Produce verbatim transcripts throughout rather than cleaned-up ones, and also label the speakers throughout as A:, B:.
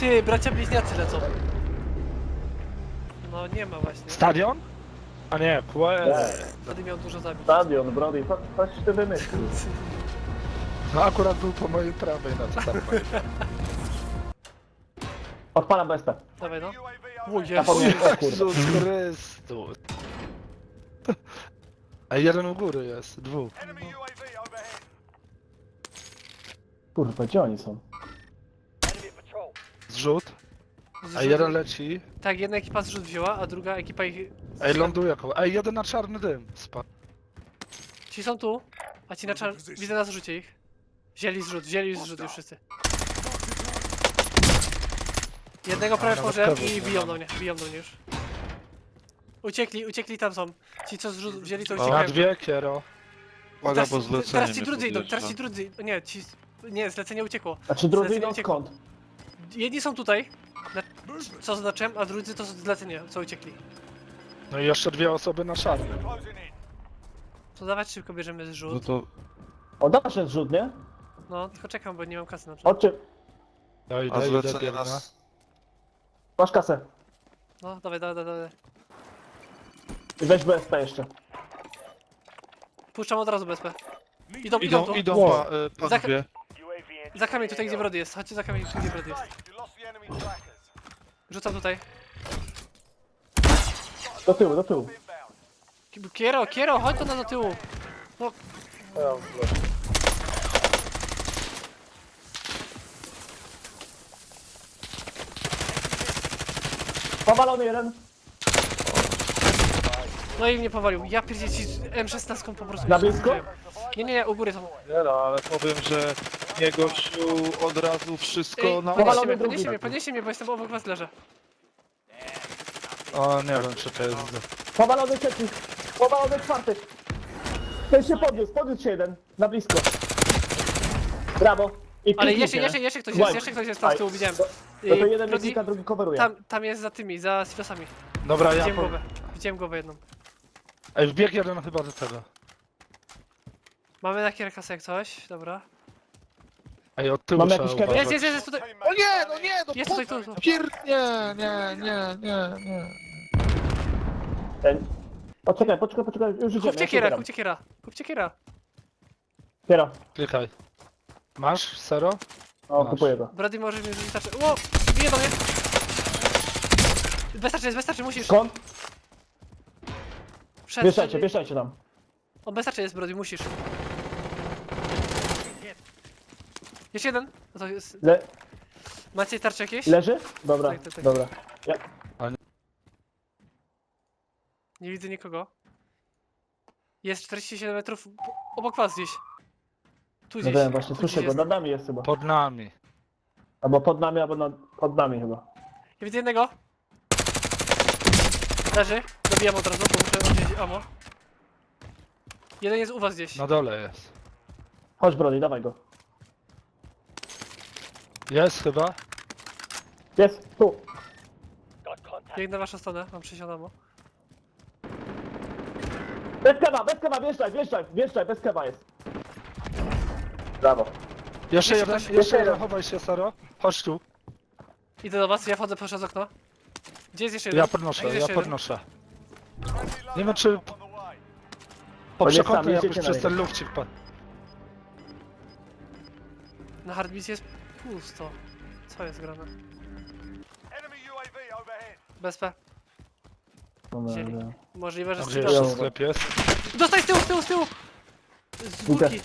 A: Ty, bracia bliźniacy lecą. No nie ma właśnie.
B: Stadion? A nie, Puer.
A: Wtedy miał dużo zabić.
C: Stadion, Brody, co, coś ty wymyślił.
B: No akurat był po mojej prawej, na co tam powiedziałem.
C: Odpalam B S P.
A: Dawaj no. O
C: Zapomniałem,
A: Jezu.
C: o kurde.
B: Jezus Chrystus. A jeden u góry jest, dwóch.
C: Kurwa, gdzie oni są?
B: Zrzut. A jeden leci.
A: Tak, jedna ekipa zrzut wzięła, a druga ekipa ich...
B: Ej, ląduje koło. Ej, jeden na czarny dym. Spadł.
A: Ci są tu, a ci na czar... Widzę na zrzucie ich. Wzięli zrzut, wzięli zrzut już wszyscy. Jednego prawie
B: nawet
A: pożem
B: cover
A: i
B: nie
A: biją
B: mamy.
A: do mnie, biją do mnie już. Uciekli, uciekli tam są. Ci co zrzut wzięli to
B: Na
A: uciekają.
B: dwie, kiero.
D: Uwaga,
A: Teraz,
D: bo zlecenie
A: teraz ci
D: mnie
A: drudzy idą,
D: podjeżdża.
A: teraz ci drudzy... Nie, ci... Nie, zlecenie uciekło.
C: Znaczy drodzy
A: Zlecenie
C: idą
A: uciekło.
C: skąd?
A: Jedni są tutaj, na... co zaznaczyłem, a drudzy to są zlecenie, co uciekli.
B: No i jeszcze dwie osoby na czarnym.
A: To dawać szybko bierzemy
D: No
A: zrzut.
D: to
C: O, dasz ten zrzut, nie?
A: No, tylko czekam, bo nie mam kasy na przykład.
C: Chodźcie,
B: Ja
D: a
B: idę, idę,
D: zlecenie
B: biegnę.
D: nas...
C: masz kasę.
A: No, dawaj, dawaj, dawaj, dawaj.
C: I weź B S P jeszcze.
A: Puszczam od razu B S P. Idą, idą,
D: Idą,
A: tu.
D: idą
C: Wow.
D: pa, e,
A: Za-
D: panowie.
A: Za kamień tutaj, gdzie Brody jest. Chodźcie za kamień, tu, gdzie Brody jest. Rzucam tutaj.
C: Do tyłu, do tyłu.
A: Ki- Kiero, Kiero, chodź tu na do tyłu. No,
C: Powalony jeden.
A: no i mnie powalił. Ja pierdzielę ci M szesnaście po prostu.
C: Na
A: mnie
C: blisko?
A: zabijają. Nie, nie, nie, u góry są.
D: Nie no, ale powiem, że nie gościu od razu wszystko
A: Ej,
D: na...
A: podnieście
C: powalony
A: mnie,
C: drugi.
A: podnieście mnie, podnieście mnie, bo jestem obok was leżę.
B: O, nie wiem, czy to jest...
C: Powalony trzeci. Powalony czwarty. Ten się podniósł, podniósł się jeden. Na blisko. Brawo. I
A: Ale
C: kliknijcie,
A: jeszcze,
C: nie?
A: jeszcze, jeszcze ktoś
C: Łaj.
A: jest, jeszcze ktoś jest tam z tyłu, widziałem.
C: No to
A: Ej,
C: jeden
A: Brody,
C: klika, drugi coveruje.
A: tam, tam jest za tymi, za silosami.
B: Dobra, ja
A: Widziałem
B: po...
A: głowę, widziałem głowę jedną.
B: Ej, wbiegł jeden chyba do tego.
A: Mamy na kierkasę jak coś, dobra.
B: Ej, od tyłu
C: Mamy
B: trzeba
C: jakiś kamień?
B: uważać.
A: Jest, jest, jest, jest tutaj.
D: O nie, no nie, no
A: Jest
D: po...
A: tutaj, tu, tu.
D: Pier... Nie, nie, nie, nie, nie.
C: Ten. Poczekaj, poczekaj, poczekaj. Już idziemy.
A: Kupcie
C: ja się
A: kiera,
C: ubieram.
A: kupcie kiera, kupcie kiera.
C: Kiera.
B: Klikaj. Masz? Sero?
C: O,
B: Masz.
C: kupuję go.
A: Brody może mi rzucić tarczę. Ło! Bije do mnie! Bez tarczy jest, bez tarczy, musisz.
C: Skąd?
A: Wszedł,
C: Wieszajcie,
A: wszedł.
C: wieszajcie tam.
A: O, bez tarczy jest, Brody, musisz. Jeszcze jeden. No to jest...
C: Le
A: Macie tarcze jakieś?
C: leży? Dobra,
A: Tak, tak, tak.
C: dobra. Ja.
A: Nie widzę nikogo. Jest czterdzieści siedem metrów obok was gdzieś. Tu
C: No
A: gdzieś.
C: wiem, właśnie
A: tu
C: słyszę
A: gdzieś
C: go,
A: jest.
C: nad nami jest chyba.
B: Pod nami.
C: Albo pod nami, albo nad, pod nami chyba.
A: Ja widzę jednego. Leży. Dobijam od razu, bo muszę odwziąć ammo. Jeden jest u was gdzieś.
B: Na dole jest.
C: Chodź Brody, dawaj go.
B: Jest chyba.
C: Jest, tu.
A: Biegnę na waszą stronę, mam sześćdziesiąt ammo.
C: Bez kewa, bez kewa, wjeżdżaj, wjeżdżaj, wjeżdżaj, bez kewa jest. Brawo.
B: Jeszcze
A: Jeszcze
B: jeden,
A: ktoś?
B: jeszcze
C: Jeszcze
B: jeden,
C: jeden.
B: chowaj się, Sero. Chodź tu.
A: Idę do was, ja wchodzę przez okno. Gdzie jest jeszcze jeden?
B: Ja
A: A
B: podnoszę,
A: gdzie
B: ja
A: jest jeszcze jeden?
B: podnoszę. Nie wiem, czy po
C: nie
B: przekątnej
C: sam,
B: jakoś
C: jedziecie na
B: przez
C: niego.
B: ten lufcik padł.
A: Na hardbicie jest pusto. Co jest grane? Bez P.
C: Dobra,
A: Wzięli.
C: dobra.
A: Możliwe, że
B: A gdzie
A: strzelają.
B: jeszcze sklep jest?
A: Dostaj z tyłu, z tyłu, z tyłu! Z
C: Idę.
A: górki.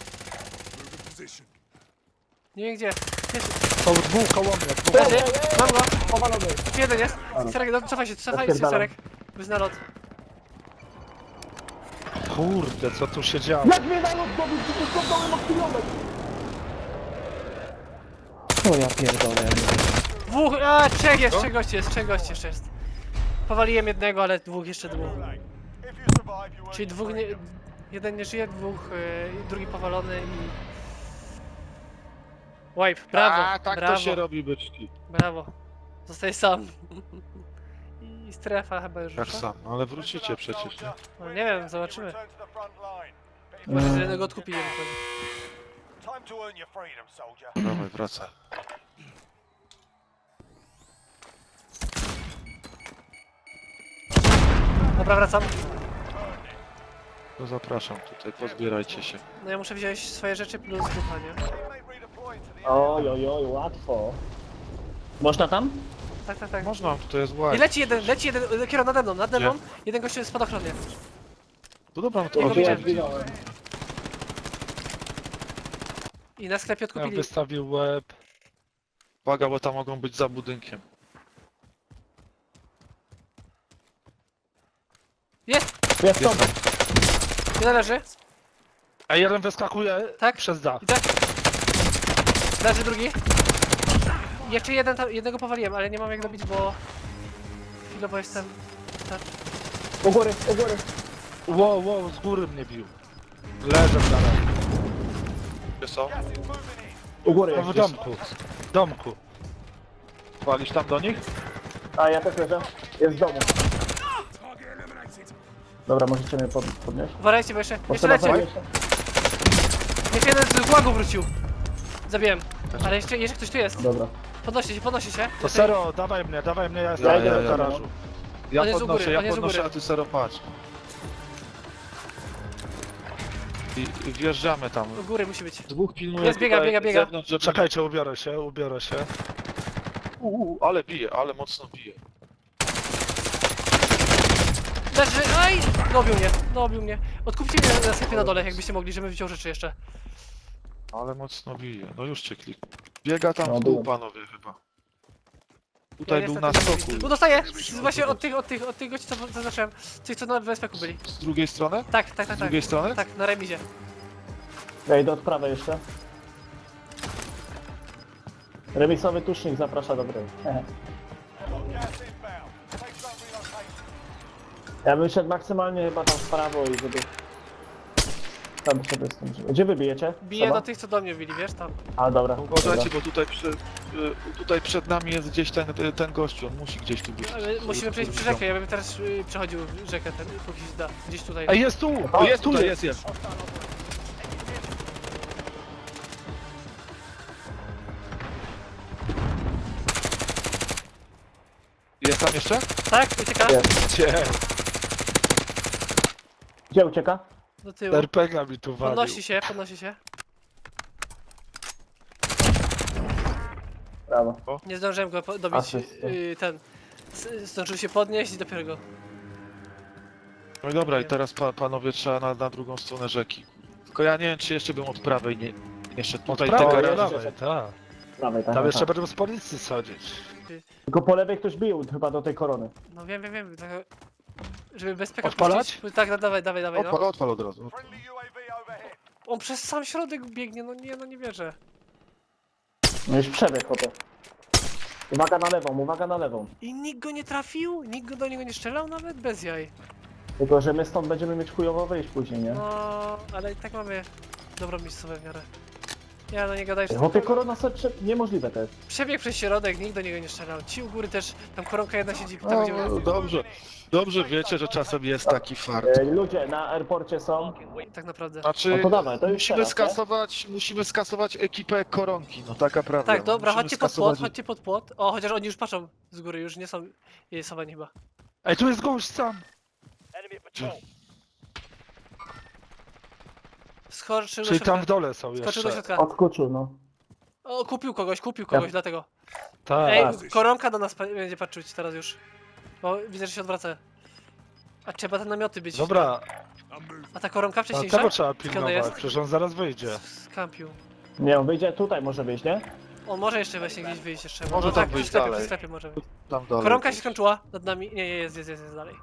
A: Nie wiem gdzie. Jest.
B: To dwóch koło mnie, dwóch.
A: Leży. Mam go.
C: Powalony.
A: Jeden jest.
C: Ale.
A: Serek, no, cofaj się, cofaj się,
C: Rozpierdalam.
A: Serek. Bez nalot.
B: Kurde, co tu się działo?
C: Jak mnie nalot dobił, przecież to dołem od kilometr. O ja pierdolę.
A: Dwóch, a trzech jest, trzech gości jest, trzech gości jeszcze jest. Powaliłem jednego, ale dwóch jeszcze dwóch. Czyli dwóch nie... Jeden nie żyje, dwóch, yy, drugi powalony i... Wipe, brawo,
D: A, tak
A: brawo,
D: to się robi, byczki.
A: brawo. Zostaj sam. I strefa chyba już
D: Jak
A: rusza.
D: sam, no ale wrócicie przecież, nie?
A: No nie wiem, zobaczymy. Może z jednego odkupi nie wychodzi.
D: Dawaj, wracaj.
A: Dobra, wracam.
D: To zapraszam tutaj, pozbierajcie się.
A: No ja muszę wziąć swoje rzeczy plus ducha, nie?
C: Oj, oj, oj, łatwo. Można tam?
A: Tak, tak, tak.
D: Można, tutaj jest
A: I
D: łaj.
A: leci jeden, leci jeden, kierunek nade mną, nade
D: Gdzie?
A: mną. Jeden gościu jest w spadochronie.
D: To dobra, no to
A: Jego
C: O, tu ja
A: widziałem.
C: zginąłem.
A: I na sklepie
B: Ja
A: odkupili.
B: wystawił łeb.
D: uwaga, bo tam mogą być za budynkiem.
A: Jest!
C: Jest
D: Jest
C: stąd.
D: tam.
A: Jeden leży.
B: A jeden wyskakuje
A: Tak?
B: przez dach.
A: I tak. Leży drugi. Jeszcze jeden tam, jednego powaliłem, ale nie mam jak dobić, bo... Chwilowo jestem... Tak.
C: U góry, u góry.
B: Wow, wow, z góry mnie bił. Leżę w dalej.
D: Gdzie są?
C: U góry
B: No w
C: jest.
B: domku. W domku.
D: Walisz tam do nich?
C: A ja też leżę. Jest w domu. Dobra, możecie mnie pod, podnieść?
A: Uważajcie, bo jeszcze...
C: Bo
A: Jeszcze
C: trzeba
A: leci!
C: podnieść.
A: Jeszcze jeden z gułagu wrócił. Zabiłem. Ale jeszcze, jeszcze ktoś tu jest.
C: Dobra.
A: Podnosi się, podnosi się.
B: To Sero, dawaj mnie, dawaj mnie, ja jestem
C: Ja
B: w
C: idę,
B: ja, garażu.
D: Ja
A: On jest u
D: podnoszę,
A: góry, on
D: ja
A: jest u
D: podnoszę,
A: góry.
D: a ty Sero patrz. I, I wjeżdżamy tam.
A: U góry musi być.
D: Dwóch pilnuje
A: Jest, biega,
D: tutaj
A: biega, biega.
D: z zewnątrz, żeby...
B: Czekajcie, ubiorę się, ubiorę się.
D: Uuu, ale bije, ale mocno bije.
A: Leży, aj! Dobił mnie, dobił mnie. Odkupcie mnie na sklepie na dole, jakbyście mogli, żebym wziął rzeczy jeszcze.
D: Ale mocno bije. No już cię klik. Biega tam
C: No,
D: w dół,
C: byłem.
D: panowie, chyba. Tutaj
A: Ja
D: był
A: niestety
D: na
A: nie
D: stoku.
A: widzę. Tu dostaję! Z- Właśnie od tych, od tych, od tych gości, co zaznaczyłem. Tych, co na W S P ku byli.
D: Z drugiej strony?
A: Tak, tak, tak,
D: Z
A: tak.
D: drugiej strony?
A: Tak, na remizie.
C: Ja idę od prawej jeszcze. Remisowy tusznik zaprasza do gry. Ja bym szedł maksymalnie chyba tam w prawo i żeby... Tam sobie z tym... Gdzie wy bijecie?
A: Biję
C: Seba?
A: do tych, co do mnie bili, wiesz, tam.
C: A, dobra.
D: Uważajcie,
C: dobra.
D: bo tutaj, przy, y, tutaj przed nami jest gdzieś ten, ten gościu, on musi gdzieś tu być.
A: Ale musimy przejść przez rzekę, ja bym teraz y, przechodził rzekę, ten, póki się da. Gdzieś tutaj.
B: Ej, jest tu!
C: O,
B: Jest tu,
D: Tutaj
B: jest!
D: jest, jest. Jest tam jeszcze?
A: Tak, ucieka.
C: Jest.
B: Gdzie?
C: Gdzie ucieka?
A: Do tyłu.
B: er pe gie a mi tu walił.
A: Podnosi się, podnosi się.
C: Brawo.
A: Nie zdążyłem go po- dobić,
C: Asysta.
A: y, ten. S- Zdążył się podnieść i dopiero go.
D: No i dobra, i teraz pa, panowie trzeba na, na drugą stronę rzeki. Tylko ja nie wiem, czy jeszcze bym od prawej nie, nie szedł.
B: Od
D: Tutaj
B: prawej,
D: te
B: od
D: garaże.
B: prawej, tak.
C: Prawej, tak.
B: Tam
C: tak.
B: jeszcze będą z policji sadzić.
C: Tylko po lewej ktoś bił chyba do tej korony.
A: No wiem, wiem, wiem. Tak, żeby bezpiekę
B: Odpalać?
A: puścić. Tak, no, dawaj, dawaj, dawaj,
D: Odpal,
A: no.
D: odpal od razu.
A: On przez sam środek biegnie, no nie, no nie wierzę.
C: No już przebieg chłopie. Uwaga na lewą, uwaga na lewą.
A: I nikt go nie trafił? Nikt go do niego nie strzelał nawet? Bez jaj.
C: Tylko, że my stąd będziemy mieć chujowo wyjść później, nie?
A: No, ale i tak mamy dobrą miejscówkę w miarę. Ja no nie gadaj, że
C: Chłopie, korona sobie prze... niemożliwe to jest.
A: przebieg przez środek, nikt do niego nie strzelał. Ci u góry też, tam koronka jedna siedzi, tam gdzie
D: No, dobrze. Dobrze wiecie, że czasem jest taki fart.
C: E, ludzie na airporcie są.
A: tak naprawdę.
D: Znaczy,
C: No to dawaj, to już
D: musimy
C: teraz,
D: skasować, musimy skasować ekipę koronki, no taka prawda.
A: Tak, dobra,
D: Musimy
A: chodźcie pod płot,
D: skasować-
A: chodźcie pod płot. O, chociaż oni już patrzą z góry, już nie są jej schowani chyba.
B: Ej, tu jest gość sam!
A: Skoczył do
B: Czyli tam w
A: środka.
B: dole są
A: Skoczył do
B: jeszcze.
A: środka.
C: Odskoczył, no.
A: O, kupił kogoś, kupił kogoś, dlatego.
B: Tak.
A: Ej, koronka do nas pa- będzie patrzeć teraz już. Bo widzę, że się odwraca. A trzeba te namioty być.
B: Dobra,
A: A ta koronka
B: a
A: wcześniejsza?
B: tego trzeba
A: Skąd
B: pilnować,
A: jest?
B: przecież on zaraz wyjdzie.
A: Skampił.
C: Nie, on wyjdzie tutaj, może wyjść, nie?
A: On może jeszcze właśnie gdzieś wyjść jeszcze.
D: Może
A: no
D: tam
A: tak,
D: wyjść
A: przy sklepie,
D: dalej.
A: przy sklepie może wyjść.
D: Tam dalej.
A: Koronka się skończyła nad nami. Nie, nie, jest, jest, jest, jest dalej.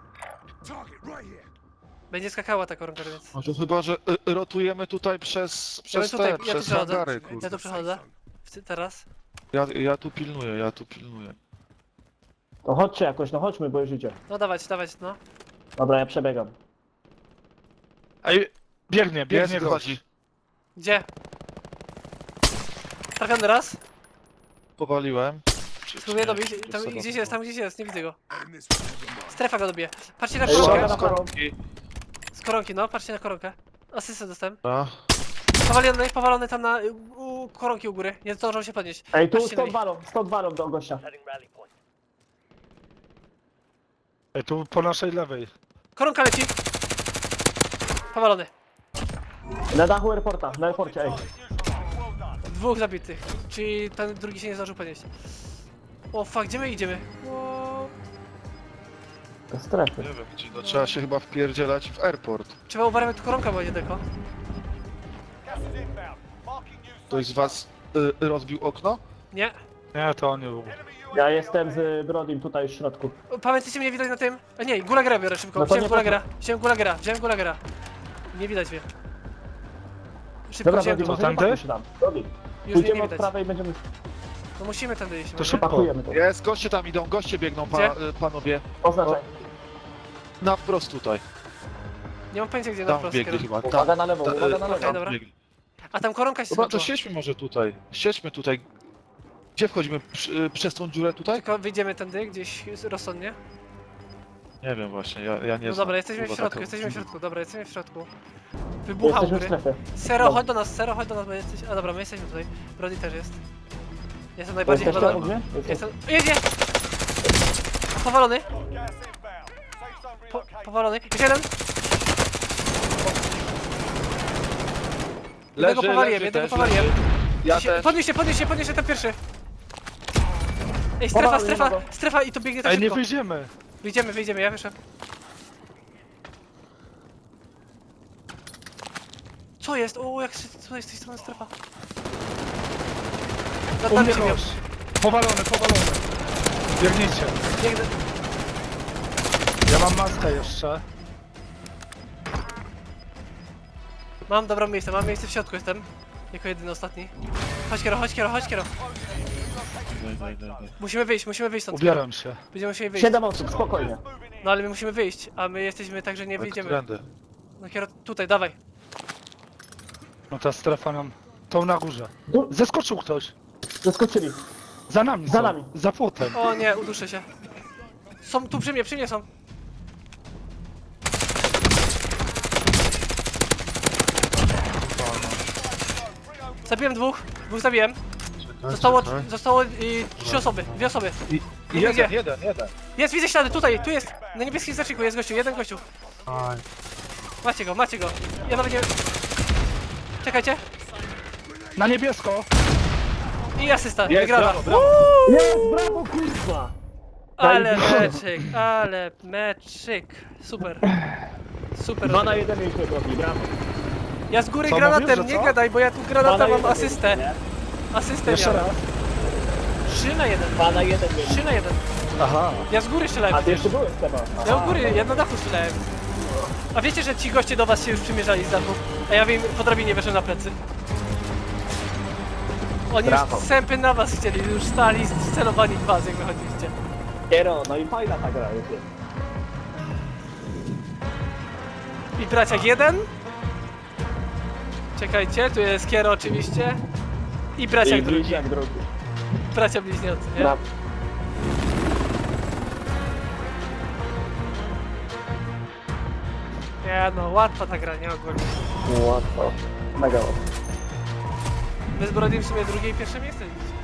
A: Będzie skakała ta koronka, więc.
D: No to chyba, że y, rotujemy tutaj przez,
A: Ja bym
D: przez
A: tutaj,
D: te,
A: ja tu
D: przez
A: przechodzę.
D: hangary,
A: Ja
D: kurde.
A: tu przechodzę. W- Teraz.
D: Ja, ja tu pilnuję, ja tu pilnuję.
C: To chodźcie jakoś, no chodźmy, bo już idzie.
A: No dawać, dawać, no.
C: Dobra, ja przebiegam.
B: Ej, biegnie, biegnie
D: Jest,
B: gość.
D: wychodzi.
A: Gdzie? Trafiony raz.
D: Powaliłem. Czy-
A: Spróbuję
D: czy nie?
A: dobić.
D: Czy
A: Tam
D: Seba
A: gdzieś jest, tam gdzieś jest, nie widzę go. Strefa go dobije. Patrzcie na
C: Ej,
A: koronkę.
C: uwaga
D: Z koronki.
A: Z koronki, no, patrzcie na koronkę. Asystę dostałem.
D: Dobra.
A: Powalony, powalony tam na u, u koronki u góry. Nie zdążą się podnieść.
C: Ej, tu
A: Patrzcie na
C: stąd
A: nich.
C: walą, stąd walą do gościa.
B: Ej, tu po naszej lewej.
A: Koronka leci. Powalony.
C: Na dachu airporta, na airporcie, ej.
A: Dwóch zabitych. Czyli ten drugi się nie zdążył podnieść. O fuck, gdzie my idziemy? O,
C: Do strefy.
D: Nie wiem gdzie, no trzeba się chyba wpierdzielać w airport.
A: trzeba uważać, tu koronka była niedaleko.
D: Ktoś z was y, rozbił okno?
A: Nie.
B: Nie, to on nie był.
C: Ja jestem z Brodim tutaj w środku.
A: O, pamiętacie mnie widać na tym? A nie, Gulagera biorę szybko.
C: No to
A: Wziąłem
C: nie
A: Gulagera. Wziąłem Gulagera. Wziąłem Gulagera. Nie widać mnie. Szybko
C: Dobra,
A: wziąłem
C: Brody,
A: go.
C: może
B: tamty?
C: nie patrzmy się tam. Brody,
A: Już mnie nie
C: pójdziemy od
A: widać.
C: prawej i będziemy...
A: No musimy tędy iść.
B: To
A: może?
B: szybko.
C: Pakujemy to.
D: Jest, goście tam idą, goście biegną, pa,
A: Gdzie?
D: y, panowie.
C: Oznaczaj.
D: Na wprost tutaj.
A: Nie mam pojęcia gdzie na
D: Tam
A: prosto
D: biegli
A: kierunek.
D: chyba. Tam,
C: Uwaga na lewo,
D: ta-
C: uwaga na
A: Okej,
C: lewo.
A: dobra.
D: biegli.
A: A tam koronka się
D: Dobra, to
A: skończyła.
D: siedźmy może tutaj. Siedźmy tutaj. Gdzie wchodzimy? Przy, y, przez tą dziurę tutaj?
A: Tylko wyjdziemy tędy gdzieś rozsądnie.
D: Nie wiem właśnie, ja, ja nie
A: No
D: znam.
A: dobra, jesteśmy w
D: Kurwa,
A: środku,
D: taką-
A: jesteśmy w środku. Dobra, jesteśmy w środku. Wybuchał
C: Jesteśmy w
A: góry.
C: strefie.
A: Sero,
C: Dobra.
A: chodź do nas, Sero, chodź do nas, bo jesteś... A dobra, my jesteśmy tutaj. Brody też jest. Jestem najbardziej
C: Jesteście
A: chyba...
C: u mnie?
A: Jestem... Jedzie! Powalony! Po, powalony. Jeszcze jeden! Jednego powaliłem, jednego
D: też,
A: powaliłem.
D: leży. Ja
A: Się-
D: też.
A: Podnieś się, podnieś się, podnieś się, ten pierwszy. Ej, strefa,
C: Powalony,
A: strefa,
C: jednego.
A: strefa i to biegnie tak
B: Ej, nie
A: szybko.
B: wyjdziemy.
A: Wyjdziemy, wyjdziemy, ja wyszedłem. Co jest? O, jak się, co jest z tej strony strefa? Nad
B: U
A: nami
B: mnie
A: się miał.
B: gość. Powalony, powalony. Biegnijcie.
A: Biegnę.
B: Ja mam maskę jeszcze.
A: Mam dobrą miejsce, mam miejsce w środku jestem. Jako jedyny ostatni. Chodź kiero, chodź kiero, chodź kiero.
D: Daj, daj, daj, daj.
A: Musimy wyjść, musimy wyjść stąd.
B: Ubieram się.
A: Będziemy musieli wyjść.
C: Siedem osób, spokojnie.
A: No ale my musimy wyjść, a my jesteśmy tak, że nie
D: Ale
A: wyjdziemy.
D: którędy?
A: No kiero, tutaj, dawaj.
B: No ta strefa nam... Tą na górze.
C: Tu,
B: Zeskoczył ktoś.
C: zeskoczyli.
B: Za nami
C: Za
B: są.
C: nami.
B: Za płotem.
A: O nie, uduszę się. Są tu przy mnie, przy mnie są. Zabiłem dwóch, dwóch zabiłem. Zostało,
D: Czekaj.
A: zostało y, trzy osoby, dwie osoby.
D: I, i
A: Gdzie?
D: jeden, jeden, jeden.
A: Jest, widzę ślady, tutaj, tu jest. Na niebieskim znaczniku jest gościu, jeden gościu.
B: Aj.
A: Macie go, macie go. Ja nawet nie... Czekajcie.
B: Na niebiesko.
A: I asysta,
D: Jest,
A: wygrana.
D: brawo, brawo.
C: Jest, brawo, kurwa!
A: Ale
C: Zajebiście.
A: meczyk, ale meczyk. Super. Super.
C: Dwa na jeden mieliśmy Brody, brawo.
A: Ja z góry
B: Co
A: granatem,
B: mówisz, że
A: nie
B: co?
A: gadaj, bo ja tu
C: Dwa
A: granata
C: na
A: mam
C: jeden
A: asystę.
C: mieliśmy,
A: Asystę
B: Jeszcze
A: miałem.
B: raz.
A: trzy na jeden.
C: Dwa na jeden mieliśmy.
A: trzy na jeden.
B: Aha.
A: Ja z góry strzelałem.
C: A ty jeszcze byłeś chyba.
A: Ja u góry, ja na dachu strzelałem. A wiecie, że ci goście do was się już przymierzali z dachu? A ja wiem, po drabinie weszłem na plecy. Oni
C: Brawo.
A: już sępy na was chcieli, już stali scelowani w was, jak wychodziliście.
C: Kiero, no i fajna ta gra jest.
A: I braciak jeden. Czekajcie, tu jest Kiero oczywiście. I braciak
C: I
A: drugi.
C: bliźniak drugi.
A: Bracia bliźniacy, nie?
C: Brawo.
A: Nie no, łatwa ta gra, nie ogólnie.
C: Łatwo. Mega łatwo.
A: Bez Brodym w sumie drugie i pierwsze miejsce. widzicie.